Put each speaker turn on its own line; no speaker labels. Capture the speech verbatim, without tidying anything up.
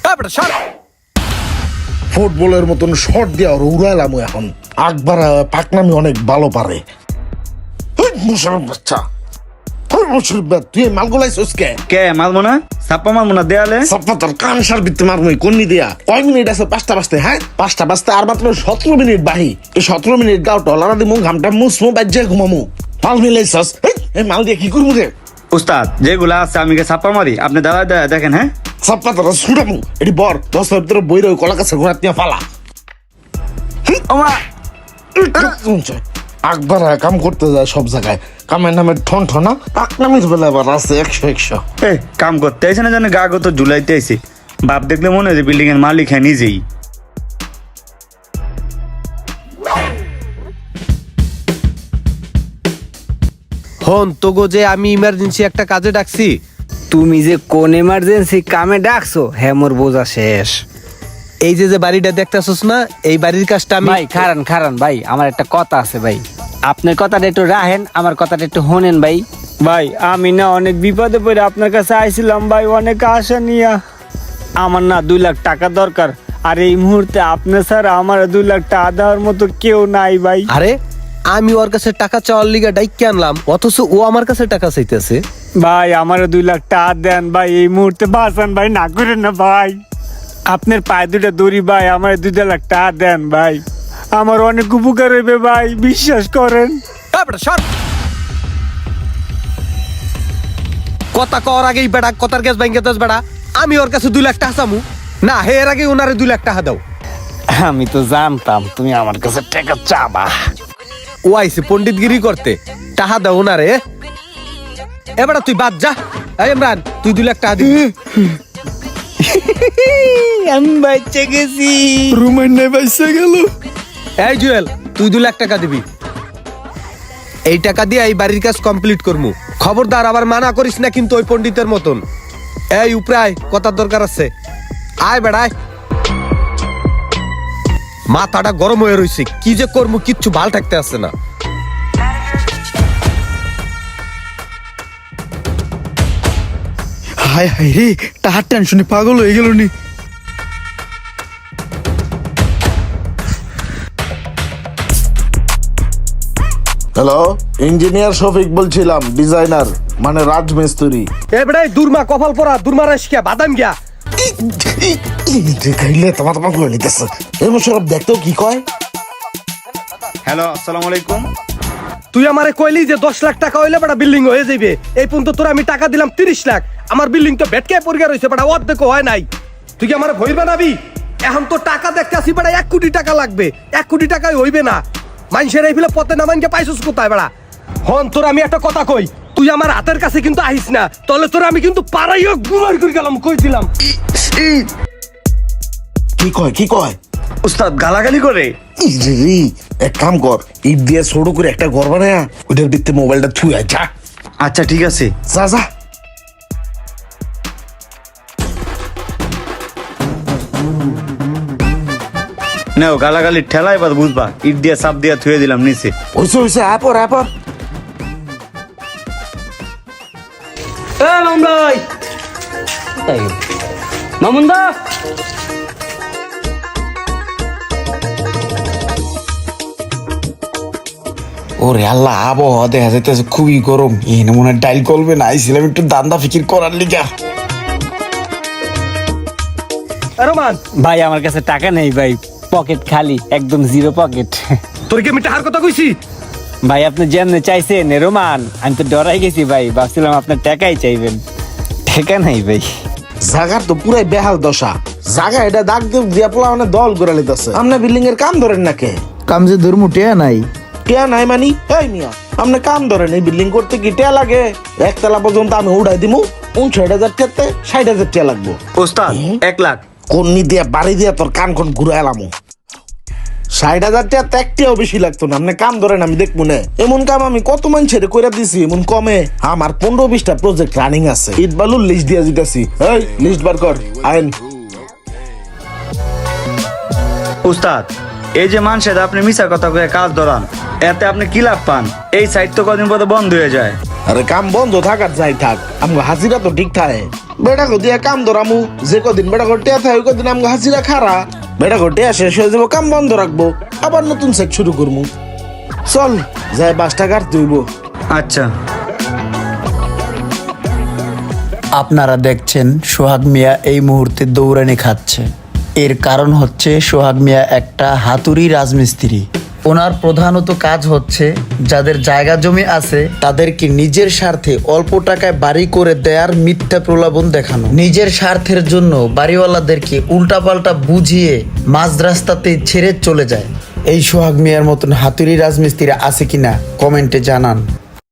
ফুটবলের মতন শট দিয়া উড়াইলাম এখন। আকবার পাকনামি অনেক ভালো পারে। বাচ্চা তুই মালগুলাইছিস কে?
কে মারবো না? সাপ্পা মারবো না দেয়ালে?
সাপ্পা তোর কান সার বিত্তে মারবো কন্নি দিয়া। কয় মিনিট আছে? পাঁচটা বাজতে। হ্যাঁ পাঁচটা বাজতে আর মাত্র সতেরো মিনিট বাহি। এই সতেরো মিনিট গাও টলারা দিমু, ঘামটা মুসমু, বাজ্যে ঘুমামু। মাল মিলাইছস? এই মাল দিয়ে কি করবো রে?
উস্তাদ যেগুলা আছে আমি সাপ্পা মারি, আপনি দাঁড়ায় দাঁড়ায় দেখেন। হ্যাঁ
সাপ্পা তোরা ছুটামু। এটি বর দশ ভিতরে বই রয়ে কলা কাছে ঘোরা নিয়ে ফালা। আকবার কাম করতে যায় সব জায়গায়, কামের নামে ঠন ঠনা, পাকনামির বেলা আবার আছে একশো একশো।
এই কাম করতে আইসে না জানে, গা গত ঝুলাইতে আইসি। বাপ দেখলে মনে হয় যে বিল্ডিং এর মালিক হ্যাঁ নিজেই।
হন তোগো যে আমি ইমার্জেন্সি একটা কাজে ডাকছি।
তুমি যে কোন এমার্জেন্সি কামে ডাকছো হ্যাঁ মোর বোঝা শেষ।
এই যে যে বাড়িটা দেখতেছস না, এই বাড়ির কাজটা আমি।
ভাই খারান খারান ভাই, আমার একটা কথা আছে ভাই, আপনার কথাটা একটু রাখেন, আমার কথাটা একটু শোনেন ভাই। ভাই আমি না অনেক বিপদে পড়ে আপনার কাছে আইছিলাম ভাই, অনেক আশা নিয়া। আমার না দুই লাখ টাকা দরকার, আর এই মুহূর্তে আপনি স্যার আমার দুই লাখ টাকা দেওয়ার মতো কেউ নাই ভাই।
আরে আমি ওর কাছে টাকা চাওয়ার লিগা ডাইকে আনলাম, অথচ ও আমার কাছে টাকা চাইতেছে।
ভাই আমার দুই লাখ টাকা দেন ভাই, এই মুহূর্তে বাঁচান ভাই, না করেন না ভাই। আপনার পায়ে দুটা দড়ি ভাই, আমার দুই লাখ টাকা দেন ভাই, আমার অনেক উপকার হইবে ভাই, বিশ্বাস করেন।
কথা কর আগেই বেড়া, কথার গ্যাস ব্যাংকে দশ বেড়া। আমি ওর কাছে দুই লাখ টাকা চামু না, হে এর আগে ওনারে দুই লাখ টাকা দাও।
আমি তো জানতাম তুমি আমার কাছে টাকা চাবা।
ও আইসে পণ্ডিতগিরি করতে, টাকা দাও ওনারে। এবার তুই বাদ যা। এই ইমরান তুই দুই লাখ টাকা দিবি।
আমি বাচ্চা গেছি,
রুমের নে বাইসা গেল। এই জুয়েল তুই দুই লাখ টাকা দিবি। এই টাকা দিয়ে এই বাড়ির কাজ কমপ্লিট করমু। খবরদার আবার মানা করিস না কিন্তু ওই পণ্ডিতের মতন। এই উপরে আয়, কথার দরকার আছে। আয় বেড়ায়। মাথাটা গরম হয়ে রইছে, কি যে করবো কিচ্ছু ভাল থাকতে আসছে না।
হায় হায় রে, টাহার টেনশনে পাগল হয়ে গেল নি।
হ্যালো, ইঞ্জিনিয়ার শফিক বলছিলাম, ডিজাইনার মানে রাজমিস্ত্রি।
এ বেড়াই দুর্মা কপাল পরা, দুর্মা রাশিয়া বাদাম গিয়া।
খাইলে তোমার তোমার করে নিতেছে। এই সব দেখতেও কি কয়।
হ্যালো আসসালামু আলাইকুম।
তুই আমারে কইলি যে দশ লাখ টাকা হইলে বেটা বিল্ডিং হয়ে যাবে। এই পর্যন্ত তোর আমি টাকা দিলাম তিরিশ লাখ। আমার বিল্ডিং তো ভেটকে পরিষ্কার হয়েছে বেটা, অর্ধেক হয় নাই। তুই কি আমার ভয় বানাবি? এখন তো টাকা দেখতে আসি বেটা, এক কোটি টাকা লাগবে। এক কোটি টাকায় হইবে না। মানুষের এই ফেলে পথে না মানকে পাইছিস কোথায় বেড়া? হন তোর আমি একটা কথা কই, তুই আমার হাতের কাছে কিন্তু আহিস না, তাহলে তোর আমি কিন্তু পাড়াইও গুমার করে গেলাম, কই দিলাম।
কি কয় কি কয়?
উস্তাদ গালাগালি করে।
ইরে, এক কাম কর, ইট দিয়ে ছোট করে একটা ঘর বানায়া ওইটার ভিতরে মোবাইলটা থুই আয় যা।
আচ্ছা ঠিক আছে
যা যা।
নাও গালাগালি ঠেলা, এবার বুঝবা। ইট দিয়ে চাপ দিয়ে থুয়ে দিলাম নিচে।
হইছে হইছে, আপর আপর।
মামুন্দা
ওরে আল্লাহ, আবহাওয়া দেখা যাইতেছে খুবই গরম। এই মনে হয় ডাইল করবে না, আইছিলাম একটু দান্দা ফিকির করার লিগা।
রোমান
ভাই আমার কাছে টাকা নেই ভাই, পকেট খালি, একদম জিরো পকেট।
তোর কি আমি টাকার কথা কইছি?
ভাই আপনি যেমনে চাইছেন রোমান, আমি তো ডরাই গেছি ভাই, ভাবছিলাম আপনার টাকাই চাইবেন। টাকা নাই ভাই।
জাগার তো পুরাই বেহাল দশা। জাগা এটা দাগ দিয়ে দিয়া পোলা মানে দল করে লিতেছে। আপনি বিল্ডিং এর কাম ধরেন না কে?
কাম যে ধর্ম টিয়া নাই।
টিয়া নাই মানি? এই মিয়া আপনি কাম ধরেন, এই বিল্ডিং করতে কি টিয়া লাগে? একতলা পর্যন্ত আমি উড়াই দিমু, উনষাট হাজার টিয়াতে ষাট হাজার টিয়া লাগবো।
উস্তাদ এক লাখ।
কন্নি দিয়া বাড়ি দিয়া তোর কান কোন ঘুরে এলামো। ষাট হাজার টাকা তো একটিও বেশি লাগতো না। আপনি কাম ধরেন, আমি দেখবো না। এমন কাম আমি কত মানুষের কইরা দিছি, এমন কমে আমার পনেরো বিশটা প্রজেক্ট রানিং আছে। ইট বালুর লিস্ট দিয়া দিতেছি। এই লিস্ট বার কর আইন।
উস্তাদ এই যে মানুষের আপনি মিশা কথা কয়ে কাজ ধরান, এতে আপনি কি লাভ পান? এই সাইট তো কদিন পরে বন্ধ হয়ে যায়।
আরে কাম বন্ধ থাকার যাই থাক আমগো হাজিরা তো ঠিক থাকে বেটা গো দিয়া কাম ধরামু যে কদিন বেটা গো টিয়া থাকে ওই কদিন আমগো হাজিরা খারা বেটা গো টিয়া শেষ হয়ে যাবো কাম বন্ধ রাখবো আবার নতুন সেক শুরু করবো চল যাই বাসটা কাটতে হইব।
আচ্ছা
আপনারা দেখছেন সোহাগ মিয়া এই মুহূর্তে দৌড়ানি খাচ্ছে। এর কারণ হচ্ছে সোহাগ মিয়া একটা হাতুড়ি রাজমিস্ত্রি। ওনার প্রধানত কাজ হচ্ছে যাদের জায়গা জমি আছে তাদেরকে নিজের স্বার্থে অল্প টাকায় বাড়ি করে দেয়ার মিথ্যা প্রলোভন দেখানো। নিজের স্বার্থের জন্য বাড়িওয়ালাদেরকে উল্টাপাল্টা বুঝিয়ে মাঝ রাস্তাতে ছেড়ে চলে যায়। এই সোহাগ মিয়ার মতন হাতুড়ি রাজমিস্ত্রি আছে কিনা কমেন্টে জানান।